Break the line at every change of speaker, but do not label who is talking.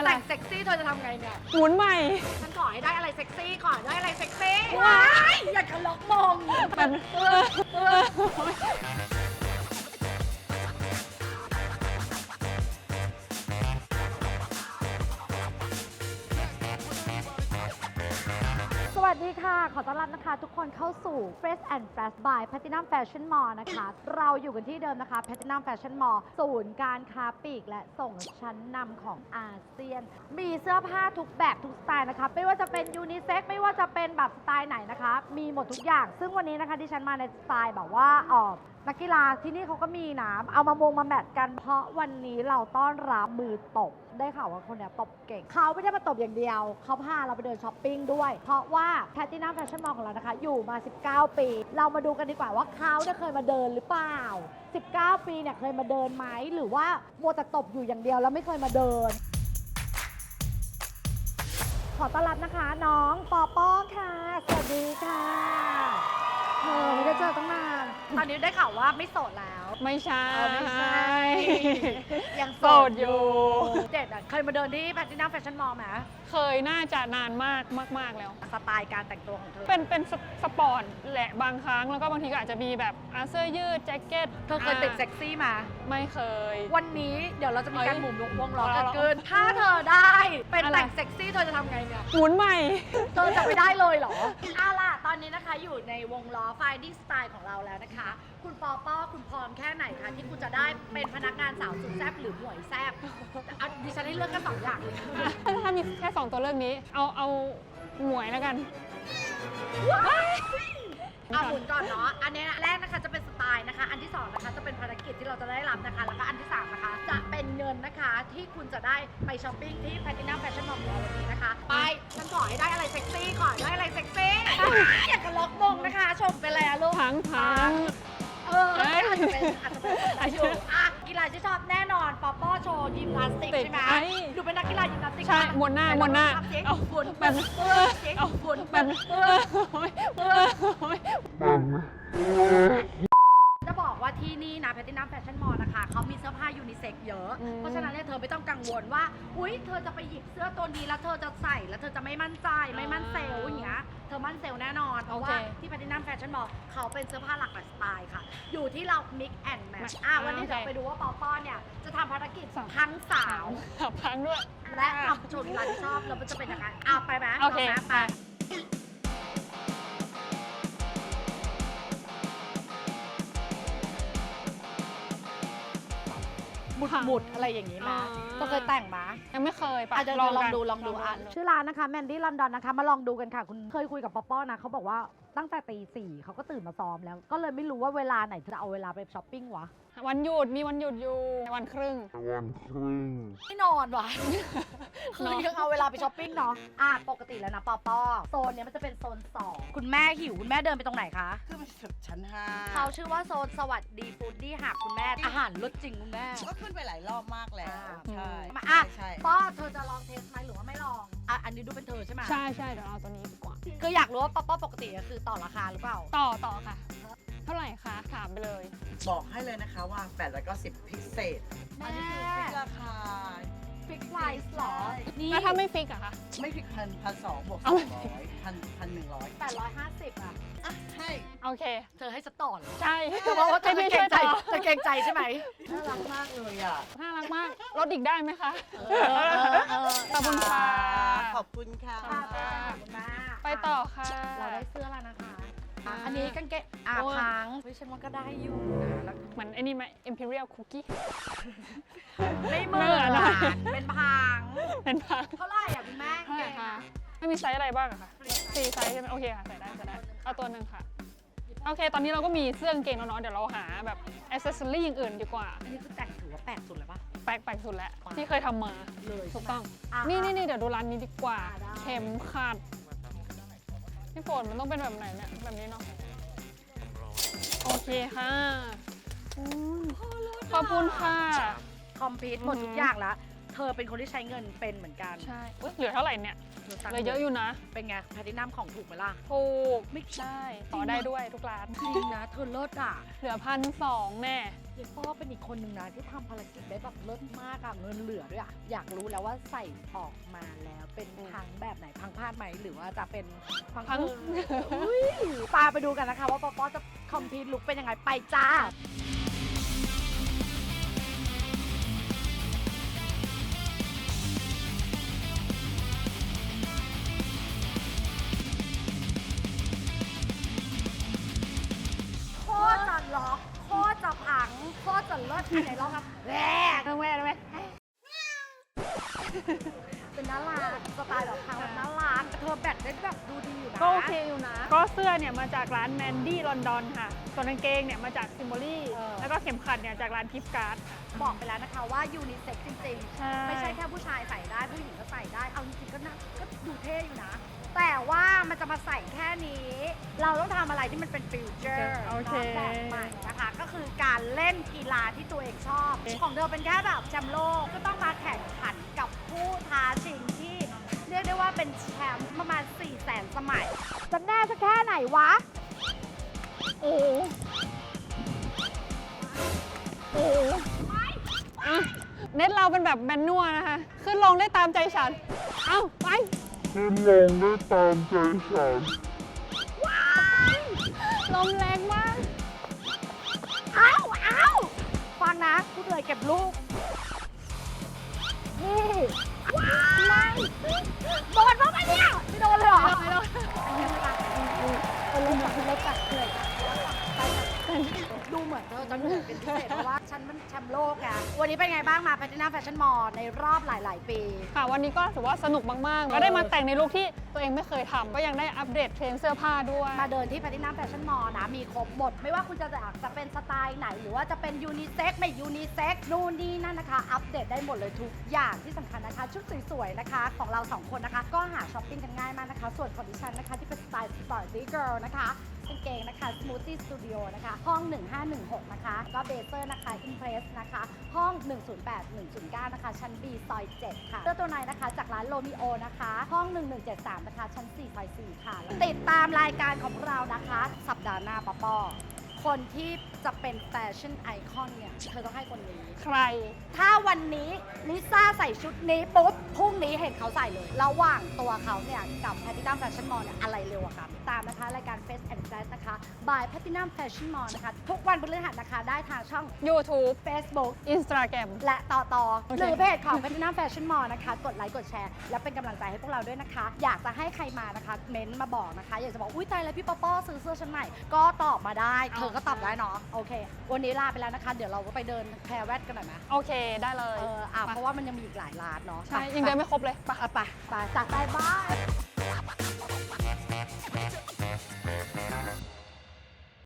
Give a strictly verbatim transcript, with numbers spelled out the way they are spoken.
แต่งเซ็กซี่เธอจะทำไงเนี่ย
หมุนใหม่
ฉันขอให้ได้อะไรเซ็กซี่ก่อนได้อะไรเซ็กซี่ว้ายอย่าทะเลาะมอง
มันเออเออ
สวัสดีค่ะ ขอต้อนรับนะคะทุกคนเข้าสู่ Fresh and Fresh by Platinum Fashion Mall นะคะ เราอยู่กันที่เดิมนะคะ Platinum Fashion Mall ศูนย์การค้าปลีกและส่งชั้นนำของอาเซียน มีเสื้อผ้าทุกแบบทุกสไตล์นะคะ ไม่ว่าจะเป็นยูนิเซ็กไม่ว่าจะเป็นแบบสไตล์ไหนนะคะ มีหมดทุกอย่าง ซึ่งวันนี้นะคะที่ฉันมาในสไตล์แบบว่าออกนักกีฬาที่นี่เขาก็มีนะเอามามงมาแมทกันเพราะวันนี้เราต้อนรับมือตบได้ข่าวว่าคนเนี้ยตบเก่งเขาไม่ได้มาตบอย่างเดียวเขาพาเราไปเดินช้อปปิ้งด้วยเพราะว่า Platinum Fashion Mall ของเรานะคะอยู่มาสิบเก้าปีเรามาดูกันดีกว่าว่าเขาเนี่ยเคยมาเดินหรือเปล่าสิบเก้าปีเนี่ยเคยมาเดินไหมหรือว่ามัวแต่ตบอยู่อย่างเดียวแล้วไม่เคยมาเดินขอต้อนรับนะคะน้องปอป้อค่ะสวัสดีค่ะเธอไม่ได้เจอตั้งนานตอนนี้ได้ข่าวว่าไม่โสดแล้ว
ไม่ใช่
เออไม่ใช่ยังโส
โส
ด
ด
อ
อยู่ ยู่
เด็ดอ่ะเคยมาเดินที่ Platinum Fashion Mall ไหม
เคยน่าจะนานมากมาก ๆ แล้ว
สไตล์การแต่งตัวของเธอ
เป็นเป็นสสปอร์ตแหละบางครั้งแล้วก็บางทีก็อาจจะมีแบบอาเสื้อยืดแจ็คเก็ต
เธอเคยติดเซ็กซี่มา
ไม่เคย
วันนี้เดี๋ยวเราจะมีการ
เอ้ย
หมุนวงล้อ
เอา
กัน
เหรอ
เกิน ถ้าเธอได้เป็น
อะไร
แต่งเซ็กซี่เธอจะทำไงเนี่ย
หมุนใหม่
เธอจะไปได้เลยเหรอเอาล่ะตอนนี้นะคะอยู่ในวงล้อ Finding Style ของเราแล้วนะคะ คุณปอป้อคุณพร้อมแค่ไหนคะที่คุณจะได้เป็นพนักงานสาวสุดแซ่บหรือหมวยแซ่บเอาดิฉันให้เลือกแค่สองอย่างเลย
ถ้ามีแค่สองตัวเลือกนี้ เอาเอาหมวยแล้วกัน
เอาหมุนก่อนเนาะ อันนี้แรกนะคะจะเป็นสไตล์นะคะ อันที่สองนะคะจะเป็นภารกิจที่เราจะได้รับนะคะ แล้วก็อันที่สามนะคะจะเป็นเงินนะคะที่คุณจะได้ไปช้อปปิ้งที่ Platinum Fashion Mall ของเราวันนี้นะคะ ไป ฉันขอให้ได้อะไรเซ็กซี่ก่อนได้อะไรเซ็กซี่ อยากจะล็อกมงนะคะ ชมไปแล้วลูก
พังพัง
เอออาจจะเป็นอาจจะเป็นอายุอ่ะกีฬาที่ชอบแน่นอนป๊อปป้อโชว์ยิมนาสติกใช่ไหม
ไอ้
ดูเป็นนักกีฬายิมนาสติก
ใช่มวนหน้ามวนหน้า
เอา
เอา
หมุน
แบบ
เออเอา
เอา
หมุน
แบบ
เออ
เออ
จะบอกว่าที่นี่นะ Platinum Fashion Mall นะคะเขามีเสื้อผ้ายูนิเซ็กเยอะ
อืม
เพราะฉะนั้นเนี่ยเธอไม่ต้องกังวลว่า อุ๊ย เธอจะไปหยิบเสื้อตัวนี้แล้วเธอจะใส่แล้วเธอจะไม่มั่นใจไม่มั่นเซลล์อย่างเงี้ย เธอมั่นเซลล์แน่นอน เพราะว่า
โอเค
ที่ Platinum Fashion Mall เขาเป็นเสื้อผ้าหลากหลายสไตล์ค่ะ อยู่ที่เรา mix and match อ่ะวันนี้
โอเค
เดี๋ยวไปดูว่าปอปอเนี่ยจะทำภารกิจ
สาม
ทั้งสาว
ขับพังด้วย
และทำโชว์กีฬาที่ชอบแล้วมันจะเป็นยังไงอ่ะไปไหม
โอเค
ลงไหม
ไป
หมุดหมุดๆอะไรอย่างนี้มา
อ๋อ
ก็เคยแต่งมา
ยังไม่เคยปะ
อ่ะเดี๋ยวลอง
กัน
ดูลองดูอ่ะชื่อร้านนะคะแมนดี้ลอนดอนนะคะมาลองดูกันค่ะ คุณเคยคุยกับป๊อปป้อนะเขาบอกว่าตั้งแต่ตีสี่เขาก็ตื่นมาซ้อมแล้ว ก็เลยไม่รู้ว่าเวลาไหนจะเอาเวลาไปช้อปปิ้งวะ
วันหยุดมีวันหยุดอยู่วันครึ่ง
วันครึ่ง
ไม่นอนวะ คือยังเอาเวลาไปช้อปปิ้งเนาะอ่ะปกติแล้วนะป๊อปป้อโซนเนี้ยมันจะเป็นโซนสองคุณแม่หิวคุณแม่เดินไปตรงไหนคะ
ขึ้นมาถึงชั้นห้า
เขาชื่อว่าโซนสวัสดีฟู้ดดี้หักคุณแม่อาหารรสจริงคุณแม่
ก็ขึ้นไปหลายรอบมากแล้ว ใช่
มาอ่ะ
ใช่
ป้อเธอจะลองเทสไหมหรือว่าไม่ลองอ่ะอันนี้ดูเป็นเธอใช่ไหม
ใช่ใช่เดี๋ยวเอาตัวนี้ดีกว่า
คืออยากรู้ว่าป๊อปป้อปกติอะคือต่อราคาหรือเปล่า
ต่อต่อค่ะ เท่าไหร่คะ ถามไปเลย
บอกให้เลยนะคะว่าแปดร้อยเก้าสิบพิเศษ
แม่
อันนี้คือฟิกราคา
ฟิกไพรซ์หรอ นี่
แล้วถ้าไม่ฟิกอะคะ
ไม่ฟิกพันพันสองบวกส
เอา
อง
ไม่
ร้อยพันพันหนึ่งร้อย
แปดร้อยห้าสิบอ่ะ
อ่ะให้
โอเค
เธอให้สต่อเหรอ
ใช่
เธอบอกว่าเธอ
ให้
เกร
พี่ช่ว
ง
ย
ใจ
ต่อ
เธอเกรงใจใช่ไหม
น่ารักมากเลยอ่ะ
น่ารักมาก ลดอีกได้ไหมคะ
เออเออเออ
ขอบคุณค่ะ
ขอบคุณค่ะ
ค่ะไปกันค่ะคุณแม่
ไปต่อค่ะ
เราได้เสื้อแล้วนะคะอ่ะ
อ่า
อันนี้กางเกงอ่ะ
โอ้ย
พังเฮ้ยฉันว่าก็ได้อยู่นะแล้ว
เหมือนไอ้นี่ไหม Imperial Cookie
ไม่เหมือน
ไม่เหมือนอะไร
เป็นพัง
เป็นพัง
เท่าไหร่อ่ะคุณแม่
เท่าไหร่
กง
คะ
อ่ะ
ไม่มีไซส์อะไรบ้างอะคะสี่ไซส์ใช่ไหมโอเคค่ะ ใส่ได้ใส่ได้ เอาตัวหนึ่งค่ะ โอเค ตอนนี้เราก็มีเสื้อกางเกงแล้วเนาะ เดี๋ยวเราหาแบบอ c เซสซอรี่อย่างอื่นดีกว่า
อันนี้คือแต่งถือว่าแปลกสุดเลยปะ
แปลกแปลกสุดแล้ว ที่เคยทำมา
เลย
ถูกต้อง
อ่ะ
นี่นี่นี่เดี๋ยวดูร้านนี้ดีกว่า
อ่ะได้
เข็มขัดพี่ฝนมันต้องเป็นแบบไหนเนี่ย แบบนี้เนาะ โอเคค่ะอืมขอบคุณค่ะ
คอมพิวต์หมดทุกอย่างแล้วเธอเป็นคนที่ใช้เงินเป็นเหมือนกัน
ใช่อุ๊ยเหลือเท่าไหร่เนี่ย
หตัง
เหลือเยอะอยู่นะ
เป็นไงแพลตินัมของถูกไหมล่ะ
ถูก
ไม่
ได้ต่อได้ด้วยทุกร้าน
จริงนะเธอเลิศอ่ะ
เหลือพันสองแน่
เยป้อเป็นอีกคนหนึ่งนะที่ทำภารกิจได้แบบเลิศมากอะเงินเหลือด้วยอะอยากรู้แล้วว่าใส่ออกมาแล้วเป็นพังแบบไหนพังพลาดไหมหรือว่าจะเป็นพัง
พัง
อุ้ยตามไปดูกันนะคะว่าป๊อปอจะคอมพีทลุกเป็นยังไงไปจ้า โคตรจะล็อกโคตรจะพังโคตรจะเลิศอันไหนลองครับแหวก
เอาแม่เอาแม่
เป็นน่ารักสไตล์แบบพังแบบน่ารักเธอแบตได้แบบดูดีอยู่นะ
ก็โอเคอยู่นะ ก็เสื้อเนี่ยมาจากร้านแมนดี้ลอนดอนค่ะ ส่วนกางเกงเนี่ยมาจากซิมโบลี่ แล้วก็เข็มขัดเนี่ยจากร้านกิฟต์การ์ด
บอกไปแล้วนะคะว่ายูนิเซ็กจริง
ใช่
ๆ ไม่ใช่แค่ผู้ชายใส่ได้ผู้หญิงก็ใส่ได้ เอาจริงๆก็น่าก็ดูเท่อยู่นะ แต่ว่ามันจะมาใส่แค่นี้ เราต้องทำอะไรที่มันเป็นฟิวเจอร์
โอเค
แบบใหม่นะคะ ก็คือการเล่นกีฬาที่ตัวเองชอบ ของเธอเป็นแค่แบบแชมป์โลกก็ต้องมาแข่งขันกับผู้ท้าชิงที่เรียกได้ว่าเป็นแชมป์ประมาณ4 0 0 0 0 0 สมัย จะแน่สักแค่ไหนวะ
โอ้โหโอ้โหอ่ะเน็ตเราเป็นแบบแมนนวลนะคะ ขึ้นลงได้ตามใจฉัน เอ้า ไป
ขึ้นลงได้ตามใจฉัน
ลมแรงมาก
เอ้าเอ้าฟังนะพูดเลยเก็บลูกนี่ว้ายโดนบ้างไหมเนี่ยไม่โดนเลยเหรอ
ไม่โดน
อันนี้ไม่ปะเออเลิกจัดเลิกจัดเหนื่อยจัดดูเหมือนเธอจะเหนื่อยเป็นพิเศษเพราะว่าฉันมันแชมป์โลกไงวันนี้เป็นไงบ้างมาแพลตินัมแฟชั่นมอลในรอบหลาย ๆ ปี
ค่ะ วันนี้ก็ถือว่าสนุกมาก ๆ ก็ได้มาแต่งในลุคที่ตัวเองไม่เคยทำก็ยังได้อัปเดตเทรนด์เสื้อผ้าด้วย
มาเดินที่แพลตินัมแฟชั่นมอลนะมีครบหมด ไม่ว่าคุณจะอยากจะเป็นสไตล์ไหน หรือว่าจะเป็นยูนิเซ็กไม่ยูนิเซ็กนู่นนี่นั่นนะคะ อัปเดตได้หมดเลยทุกอย่างที่สำคัญนะคะ ชุดสวย ๆ นะคะ ของเราสองคนนะคะ ก็หาช้อปปิ้งกันง่ายมากนะคะ ส่วนของดิฉันนะคะ ที่เป็นสไตล์สปอร์ตตี้เกิร์ลนะคะกางเกงนะคะ Smoothie Studio นะคะ ห้อง หนึ่งห้าหนึ่งหก นะคะ ก็เบเซอร์นะคะ Impress นะคะ ห้อง หนึ่งศูนย์แปด หนึ่งศูนย์เก้า นะคะ ชั้น B ซอย เจ็ด ค่ะเสื้อตัวในนะคะ จากร้านโรมิโอนะคะ ห้อง หนึ่งหนึ่งเจ็ดสาม นะคะ ชั้น สี่ ซอย สี่ ค่ะ ติดตามรายการของเรานะคะ สัปดาห์หน้าปอปอคนที่จะเป็นแฟชั่นไอคอนเนี่ย เธอต้องให้คนนี้
ใคร
ถ้าวันนี้ลิซ่าใส่ชุดนี้ปุ๊บ พรุ่งนี้เห็นเขาใส่เลย ระหว่างตัวเขาเนี่ย กับแพลตินัมแฟชั่นมอลเนี่ย อะไรเร็วกว่ากันตามนะคะ รายการ Face and Flash นะคะ by Platinum Fashion Mall นะคะ ทุกวันพฤหัสนะคะ ได้ทางช่อง
YouTube
Facebook
Instagram
และต่อต่อ
โอเค
หรือเพจของ Platinum Fashion Mall นะคะ กดไลค์กดแชร์ และเป็นกำลังใจให้พวกเราด้วยนะคะ อยากจะให้ใครมานะคะ เม้นต์มาบอกนะคะ อยากจะบอก อุ้ยตายแล้วพี่ป๊อปป้อซื้อเสื้อชั้นใหม่ ก็ตอบมาได้ เธอก็ตอบได้เนาะโอเค วันนี้ลาไปแล้วนะคะ เดี๋ยวเราไปเดินแพรแวดกันหน่อยไหม
โอเคได้เลย
เอออ่ะเพราะว่ามันยังมีอีกหลายร้านเนาะ
ใช่ ยังเดินไม่ครบเลย
ไปไปไปจัดไป